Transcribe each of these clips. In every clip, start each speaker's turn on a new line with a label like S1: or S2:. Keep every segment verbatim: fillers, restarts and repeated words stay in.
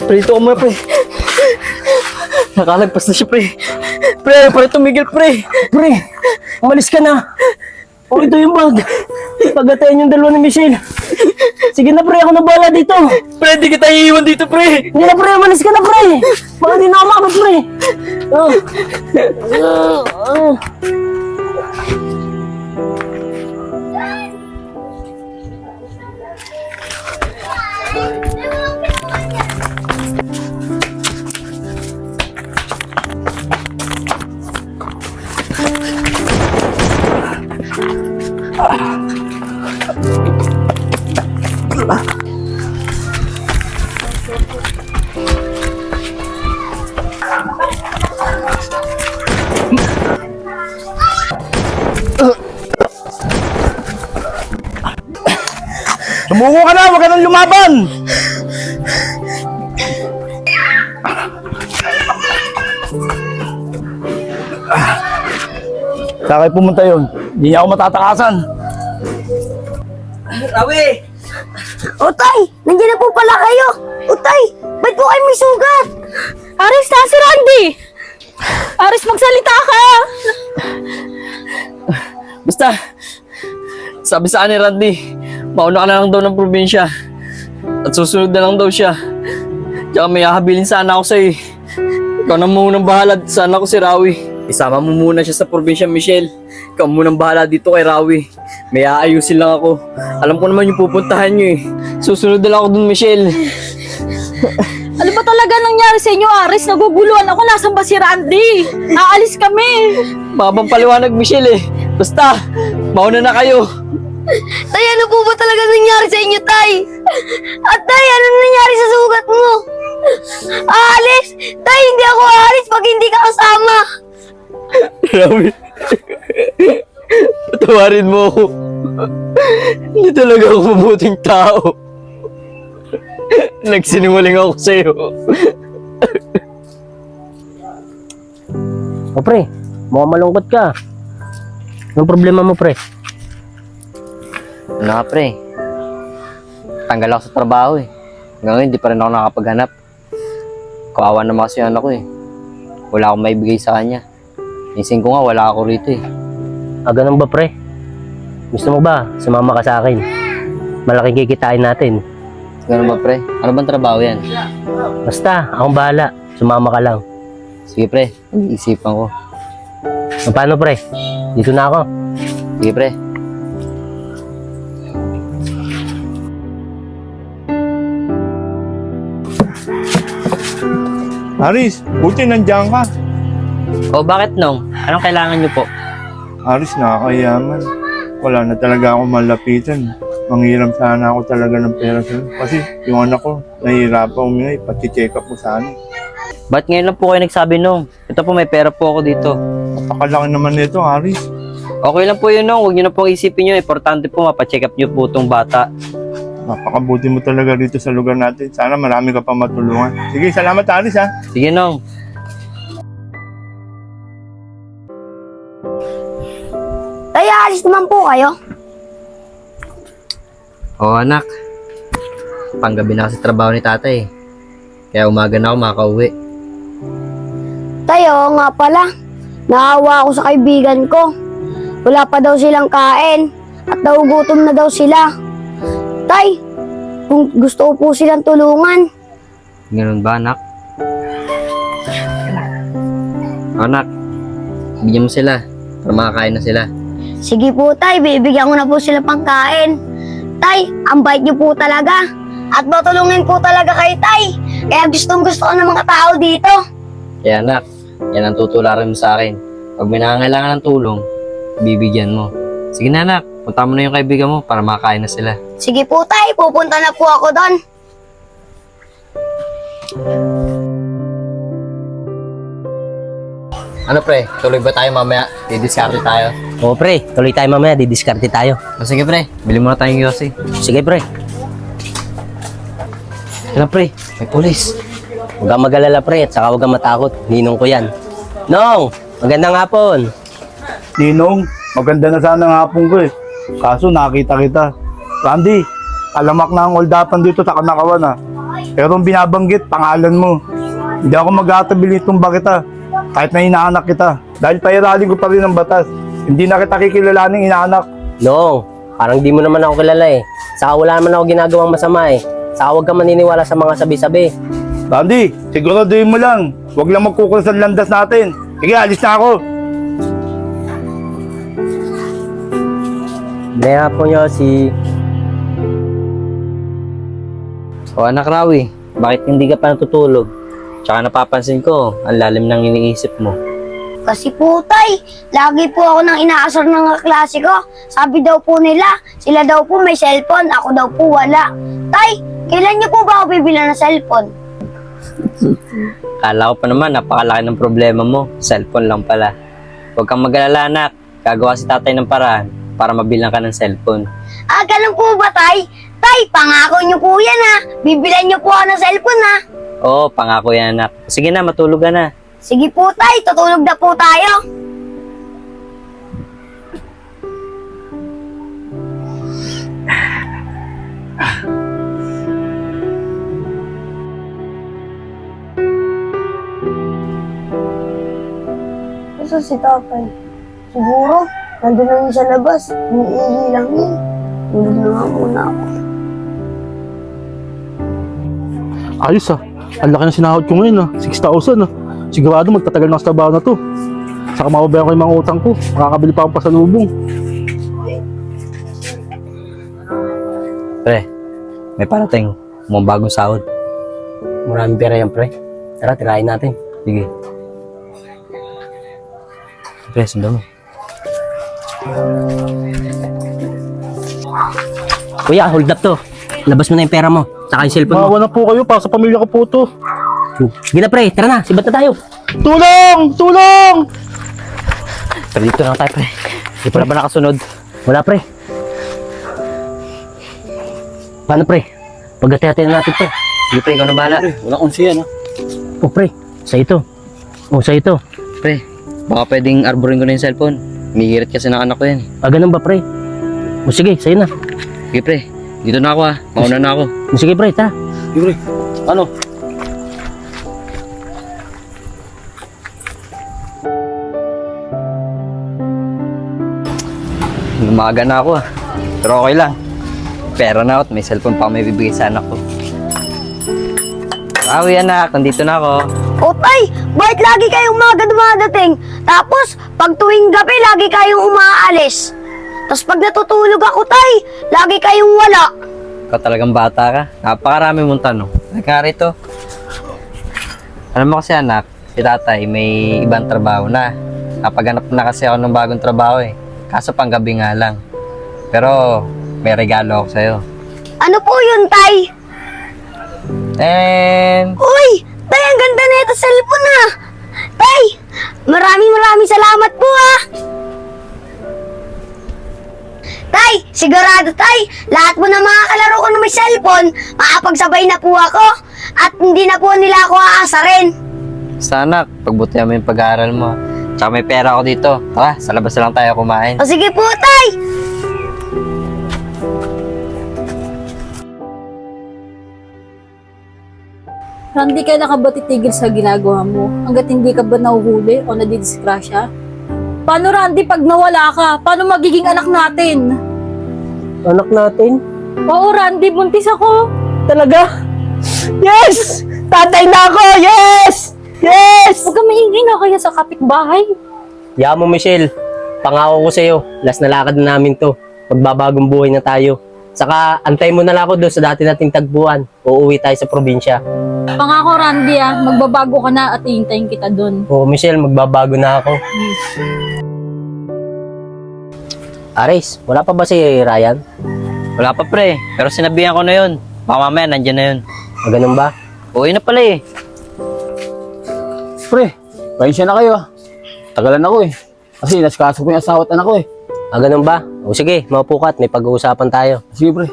S1: Pre, dito ka muna, pre. Nakalagpas na siya, pre. Pre, ayaw pa rin tumigil, pre. Pre, umalis ka na. O, ito yung bag. Pagatayin yung dalawa ni Michelle. Sige na, pre, ako na bahala dito. Pre, di kita iiwan dito, pre. Hindi na, pre, umalis ka na, pre. Baka di na ako makapag, pre. Oh. Oh. Oh.
S2: Sumuko ka na! Huwag ka nang lumaban! Saan kayo pumunta yun? Hindi niya ako matatakasan.
S1: Rawi!
S3: Utay! Nandiyan na po pala kayo! Utay! Ba't po kayo may sugat?
S4: Aris, na si Randy! Aris, magsalita ka!
S1: Basta, sabi sa ni Randy, mauna ka na lang daw ng probinsya. At susunod na lang daw siya. Tsaka may hahabilin sana ako sa'yo. Ikaw na munang bahala sana ako si Rawi. Isama mo muna siya sa probinsya, Michelle. Ikaw munang bahala dito kay Rawi. May aayusin lang ako. Alam ko naman yung pupuntahan nyo eh. Susunod na lang ako dun, Michelle.
S4: Ano ba talaga nangyari sa inyo, Aris? Naguguluhan ako. Nasaan ba si Randy? Aalis kami.
S1: Mabang paliwanag, Michelle eh. Basta, mauna na kayo.
S3: Tay, ano po ba talaga nangyari sa inyo, Tay? At Tay, ano nangyari sa sugat mo? Aalis! Tay, hindi ako aalis pag hindi ka kasama.
S1: Rawi, patawarin mo ako. Hindi talaga ako mabuting tao. Nagsinungaling ako sa'yo.
S5: O pre, mukhang malungkot ka. Anong problema mo, pre?
S6: Ano nga pre, tanggal ako sa trabaho eh. Ngayon hindi pa rin ako nakapaghanap. Kawawa naman kasi yung anak ko eh. Wala akong maibigay sa kanya. Ising ko nga wala ako rito eh.
S5: Ah, ganun ba, pre? Gusto mo ba sumama ka sa akin? Malaking kikitain natin.
S6: Ganun ba pre? Ano bang trabaho yan?
S5: Basta, akong bahala. Sumama ka lang.
S6: Sige pre, isipan ko.
S5: O, paano, pre? Dito na ako.
S6: Sige pre.
S2: Aris, buti nandiyan ka.
S6: O bakit nong? Anong kailangan nyo po?
S2: Aris, nakakayaman. Wala na talaga akong malapitan. Manghiram sana ako talaga ng pera sa'yo. Kasi yung anak ko, nahihirapan humingi. Pati-check up mo sana.
S6: Ba't ngayon lang po kayo nagsabi nung? Ito po may pera po ako dito.
S2: Napakalaki naman nito, Aris.
S6: Okay lang po yun nung. Huwag nyo na pong isipin nyo. Importante po mapacheck up nyo po itong bata.
S2: Napakabuti mo talaga dito sa lugar natin. Sana marami ka pa matulungan. Sige, salamat Aris ha.
S6: Sige nong.
S3: Tay, aalis naman po kayo.
S6: Oo anak. Panggabi na kasi trabaho ni tatay. Kaya umaga na ako makauwi.
S3: Tay, oo nga pala. Naawa ako sa kaibigan ko. Wala pa daw silang kain. At nagugutom na daw sila. Tay, kung gusto ko po silang tulungan.
S6: Ganun ba anak? Anak, bigyan mo sila para makakain na sila.
S3: Sige po, Tay. Bibigyan ko na po sila pangkain. Tay, ang bait niyo po talaga. At matulungin po talaga kay Tay. Kaya gustong gusto ko ng mga tao dito.
S6: Kaya anak, yan ang tutularan mo sa akin. Pag may nangangailangan ng tulong, bibigyan mo. Sige na anak, punta mo na yung kaibigan mo para makakain na sila.
S3: Sige po, Tay. Pupunta na po ako doon.
S6: Ano pre, tuloy ba tayo mamaya? Didiskarte tayo.
S5: O, pre, tuloy tayo mamaya. Didiskarte tayo.
S6: O sige pre, bili mo na tayong yosi.
S5: Sige, pre.
S6: Ano pre, may pulis.
S5: Huwag kang mag-alala, pre. At saka huwag kang matakot. Ninong ko yan. Nong, magandang hapon.
S2: Ninong, maganda na sana ng hapon ko eh. Kaso nakita kita. Randy, alamak na ang oldapan dito sa Kanakawan ah. Pero ang binabanggit, pangalan mo. Hindi ako mag-aatabilit itong bakita. Kahit na inaanak kita. Dahil pairalin ko pa rin ang batas. Hindi na kita kikilalaning inaanak.
S5: No, parang di mo naman ako kilala eh. Saka wala naman ako ginagawang masama eh. Saka huwag ka maniniwala sa mga sabi-sabi.
S2: Randy, siguraduhin mo lang. Huwag lang magkukulas ang landas natin. Sige, alis na ako.
S5: Kaya po nyo si...
S6: O anak Rawi, bakit hindi ka pa natutulog? Tsaka napapansin ko, ang lalim ng iniisip mo.
S3: Kasi po, tay, lagi po ako nang inaasar ng mga klase ko. Sabi daw po nila, sila daw po may cellphone, ako daw po wala. Tay, kailan niyo po ba ako bibila ng cellphone?
S6: Kala ko pa naman, napakalaki ng problema mo. Cellphone lang pala. Huwag kang mag-alala anak, gagawa si tatay ng paraan para mabilang ka ng cellphone.
S3: Ah, ganun po ba, tay? Tay, pangako niyo po yan ha. Bibilan niyo po ako ng cellphone ha.
S6: Oo, pangako yan anak. Sige na, matulog ka na.
S3: Sige po, tay, tutulog na po tayo. Gusto si tatay. Siguro, nandun lang yun sa labas. Umiihi lang yun. Tulog na nga muna ako.
S7: Ayos ah. Ang laki na sinahod ko ngayon ah. six thousand ah. Sigurado magtatagal na sa trabaho na to. Saka mababayan ko yung mga utang ko. Makakabili pa akong pasalubong.
S6: Pre, may parating. Mga bagong sahod.
S5: Maraming pera yan, pre. Tara, tirahin natin.
S6: Sige. Pre, sundan mo.
S5: Kuya, hold up to. Labas mo na yung pera mo. Saka yung cellphone mo.
S7: Maawa na po kayo para sa pamilya ko po to.
S5: Sige na, pre. Tara na. Sibat na tayo.
S7: Tulong! Tulong!
S6: Pre, dito na tayo, pre. Hindi pa na ba nakasunod?
S5: Wala, pre. Paano, pre? Pagkati-hati na natin, pre.
S6: Sige, pre, ikaw na bahala.
S7: Wala kong siya, no?
S5: Oh, pre. Sa ito. Oh, sa ito.
S6: Pre, baka pwedeng arborin ko na yung cellphone. Mihirit kasi ng anak ko yan.
S5: Ah, ganun ba, pre? O sige, sa'yo na.
S6: Sige, pre. Dito na ako ah. Mauna na ako.
S5: O sige, pre. Tara.
S7: Libre. Ano?
S6: Umaga na ako ah. Pero okay lang. Pera na ako at may cellphone pa ako may bibigay sa anak ko. Awi anak, nandito na ako.
S3: O tay, bakit lagi kayong umaga dumadating? Tapos, pag tuwing gabi, lagi kayong umaalis. Tapos pag natutulog ako, tay, lagi kayong wala.
S6: Ikaw talagang bata ka. Napakarami mong tanong. Nagka rito. Alam mo kasi anak, si tatay may ibang trabaho na. Napaganap na kasi ako ng bagong trabaho eh. Kaso pang gabi nga lang. Pero may regalo ako sa'yo.
S3: Ano po yun, tay?
S6: And
S3: Uy, tay, ang ganda na ito cellphone ha. Tay, maraming maraming salamat po ha. Tay, sigurado tay, lahat mo na mga kalaro ko na may cellphone, makapagsabay na po ako. At hindi na po nila ako aasarin.
S6: sana pagbutihan mo yung pag-aaral mo. Tsaka may pera ako dito. Tara, sa labas na lang tayo kumain.
S3: O sige po, tay.
S4: Randy, kailan ka ba titigil sa ginagawa mo? Hanggat hindi ka ba nahuhuli o nadidisgrasya? Paano, Randy, pag nawala ka? Paano magiging anak natin?
S5: Anak natin.
S4: Oo, Randy, buntis ako.
S5: Talaga? Yes! Tatay na ako! Yes! Yes!
S4: Huwag ka maingay na kaya sa kapitbahay.
S5: Yaman mo, Michelle. Pangako ko sa'yo. Last na lakad na namin to. Magbabagong buhay na tayo. Saka, antay mo na lang ako doon sa dati nating tagpuan. Uuwi tayo sa probinsya.
S4: Pangako, Randy, ah, magbabago ka na at iintayin kita doon.
S5: Oo, Michelle, magbabago na ako. Aris, wala pa ba si Ryan?
S6: Wala pa pre, pero sinabihan ko na yun. Baka mamaya nandyan na yun.
S5: O, ganun ba?
S6: Uwi na pala eh.
S7: Pre, pahinsya na kayo ah. Tagalan ako eh. Kasi naskaso ko yung asawa at anak ko eh.
S5: Ah, ganun ba? O sige, maupo ka at may pag-uusapan tayo.
S7: Sige pre.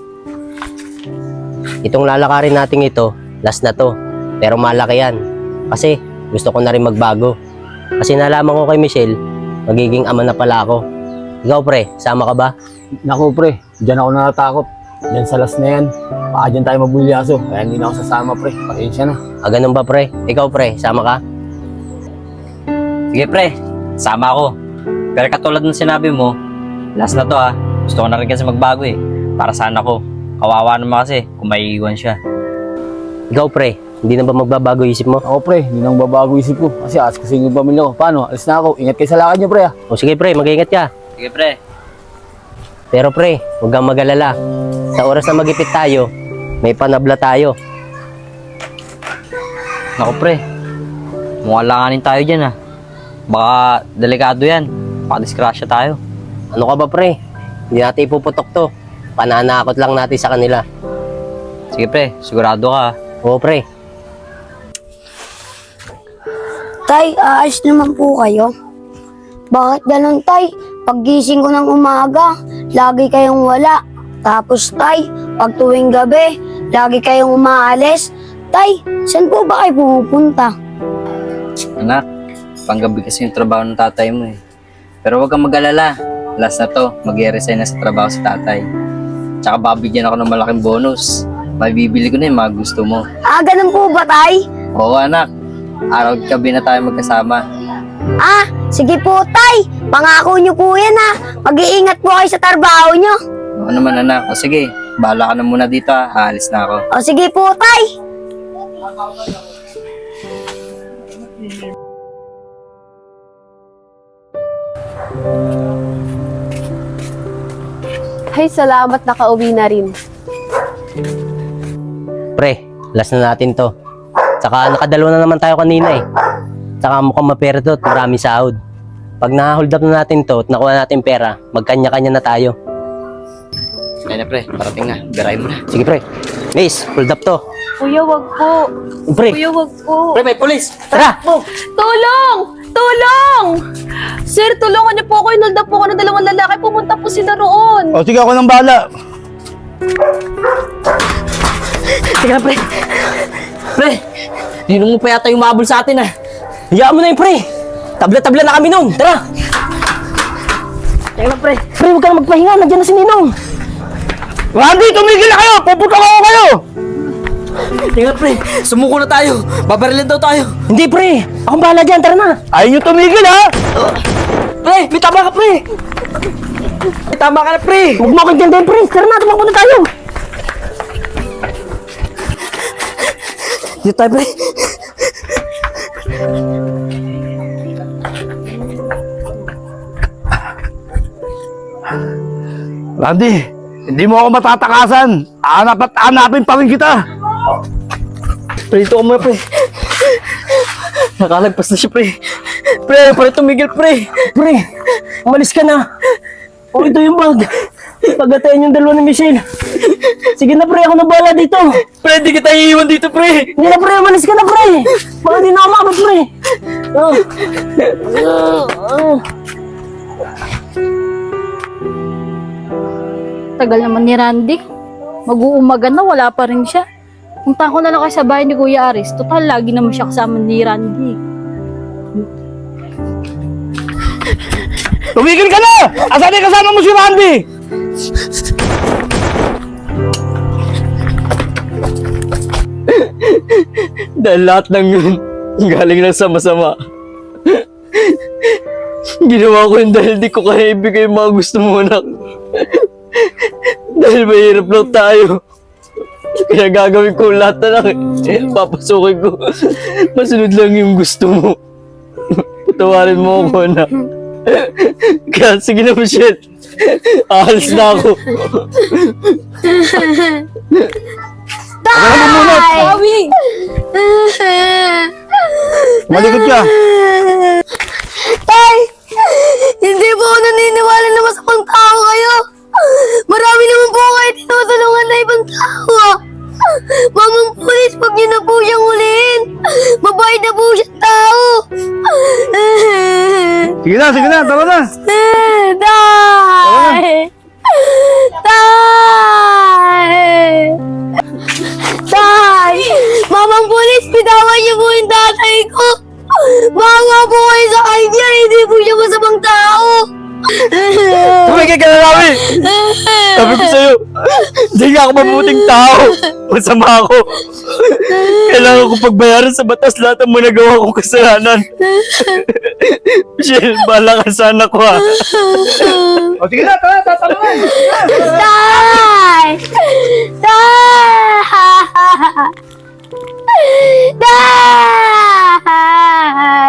S5: Itong lalakarin natin ito, last na to. Pero malaki yan. Kasi gusto ko na rin magbago. Kasi nalaman ko kay Michelle, magiging ama na pala ako. Ikaw pre, sama ka ba?
S7: Naku pre, dyan ako natatakot.
S8: Yan sa last na yan, baka dyan tayo mabulyaso. Kaya hindi na ako sasama, pre. Pasensya na.
S5: Ah, ganun ba, pre? Ikaw, pre, sama ka?
S1: Sige pre, sama ako. Pero katulad ng sinabi mo, last na to ha. Gusto ko na rin kasi magbago eh. Para sana ko. Kawawa naman kasi kung maiiwan siya.
S5: Ikaw, pre, hindi na ba magbabago isip mo?
S8: Ako, pre, hindi nang babago isip ko. Kasi ask ko sa inyo yung pamilya ko. Paano? Alis na ako. Ingat kayo sa lakad niyo, pre, ah.
S5: O sige, pre, mag-ingat ka.
S1: Sige pre.
S5: Pero pre, huwag kang mag-alala. Sa oras na magipit tayo, may panabla tayo.
S1: Naku pre, mukhang langanin tayo dyan ha. Baka delikado yan. Baka disgrasya tayo.
S5: Ano ka ba, pre? Hindi natin ipuputok to. Pananakot lang natin sa kanila.
S1: Sige pre, sigurado ka ha.
S5: Oo, pre.
S3: Tay, aayos naman po kayo. Bakit ganun, Tay? Paggising ko ng umaga, lagi kayong wala. Tapos, Tay, pag tuwing gabi, lagi kayong umaalis. Tay, saan po ba kayo pumupunta?
S1: Anak, panggabi kasi yung trabaho ng tatay mo eh. Pero huwag kang mag-alala. Last na to, mag-resign na sa trabaho si tatay. Tsaka babigyan ako ng malaking bonus. Mabibili ko na yung mga gusto mo.
S3: Ah, ganun po ba, Tay?
S1: Oo anak, araw at gabi na tayo magkasama.
S3: Ah, sige po, Tay. Pangako niyo po yan, ha. Mag-iingat po kayo sa trabaho niyo.
S1: Oo naman anak, o sige, bahala ka na muna dito ha. Aalis na ako.
S3: O sige po, Tay.
S9: Ay, salamat nakauwi na rin.
S5: Pre, last na natin to. Tsaka nakadalawa na naman tayo kanina eh. Tsaka mukhang mapera to at maraming sahod. Pag na-hold up na natin to at nakuha natin pera, magkanya-kanya na tayo.
S1: Kaya na pre, parating na. Birahin mo na.
S5: Sige pre. Miss, hold up to.
S9: Kuya, wag po.
S5: Pre,
S9: Kuya, wag po.
S1: Pre, may pulis!
S5: tara!
S9: Tulong! Tulong! Sir, tulungan niyo po ako. Inulda po ako ng dalawang lalaki. Pumunta po sila roon.
S7: O sige, ako nang bahala.
S1: Teka pre! Pre! Ninong mo pa yata yung mabul sa atin ah.
S5: Hayaan mo na yun pre! Tabla-tabla na kami nun! Tara!
S1: Teka lang pre!
S5: Pre, huwag ka na magpahinga. Nandiyan na si Ninong.
S7: Randy, tumigil na kayo! Puputok ako kayo!
S1: Teka pre! Sumuko na tayo! Babarilin daw tayo!
S5: Hindi pre! Akong bahala dyan. Tara na!
S7: Ayaw nyo tumigil, ha?
S1: Pre! May tama ka pre! May tama ka na pre!
S5: Huwag mo akong tindahin pre! Tara na! Tumakbo na tayo!
S1: Dito tayo pre!
S7: Randy, hindi mo ako matatakasan. Hanap at hanapin pa rin kita.
S1: Pre, dito ka muna pre! Nakalagpas na siya pre! Pre, pre tumigil pre!
S5: Pre! Umalis ka na! O ito yung bag! Pagatayin yung dalawa ni Michelle! Sige na pre! Ako na bahala dito!
S1: Pre, di kita iiwan dito pre!
S5: Hindi na pre! Umalis ka na pre! Baka di na ako makapag pre! Oh. Oh.
S4: Tagal naman ni Randy. Mag-uumaga na, wala pa rin siya. Punta ko na lang kayo sa bahay ni Kuya Aris. Total, lagi naman siya kasama ni Randy.
S7: Tumigil ka na! Asan yung kasama mo si Randy?
S1: Dahil lahat ng yun, galing lang sa masama. Ginawa ko yun dahil di ko kaya ibigay yung mga gusto mo, anak. Dahil mahirap lang tayo. Kaya gagawin ko lahat na lang eh. Papasukin ko. Masunod lang yung gusto mo. Patawarin mo ako, anak. Kaya sige na, Michelle. Aalis na ako.
S4: Sabi!
S7: Malikot ka.
S3: Tay! Hindi po ako naniniwala na masamang tao kayo. Marami naman po kayo tinutulungan na ibang tao. Mamang pulis, pag niyo na po siyang huliin. Mabait na po siyang tao.
S7: Sige na, sige na, tara na.
S3: Tay! Tay! Tay! Mamang pulis, bitawan niyo po yung tatay ko. Bawa po kayo sa kanya, hindi po siya masamang tao.
S1: Tumigil tumigil ka na namin! Sabi ko sa'yo, hindi nga ako mabuting tao. Masama ako. Kailangan ko pagbayaran sa batas lahat ng mga nagawa kong kasalanan. Michelle, bahala ka sa anak ko ha.
S2: O sige na, tara, tatanungan.
S3: Tay! Tay! Tay!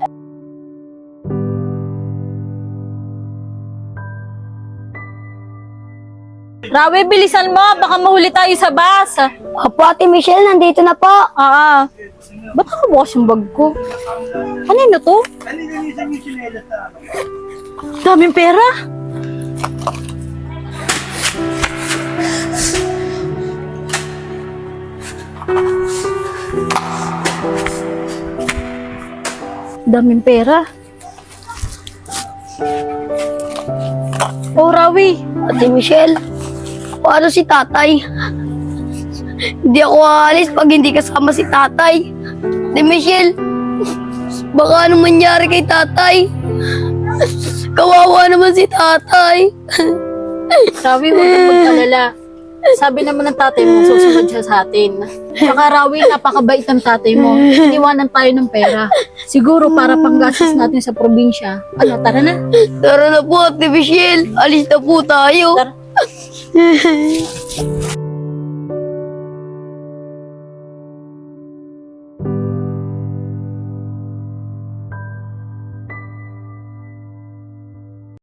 S4: Rawi, bilisan mo. Baka mahuli tayo sa bus.
S3: Opo, Ate Michelle, nandito na po.
S4: Ah, ba't nakabukas yung bag ko? Ano na to? Daming pera. Daming pera. Oh, Rawi.
S3: Ate Michelle, paano si tatay? Hindi ako aalis pag hindi kasama si tatay. Ate Michelle, baka anong mangyari kay tatay? Kawawa naman si tatay.
S4: Rawi, huwag kang mag-alala. Sabi naman ng tatay mo, susunod siya sa atin. Saka Rawi, napakabait ng tatay mo. Iniwanan tayo ng pera. Siguro para panggastos natin sa probinsya. Ano, tara na.
S3: Tara na po, Ate Michelle. Alis na po tayo.
S4: Tara.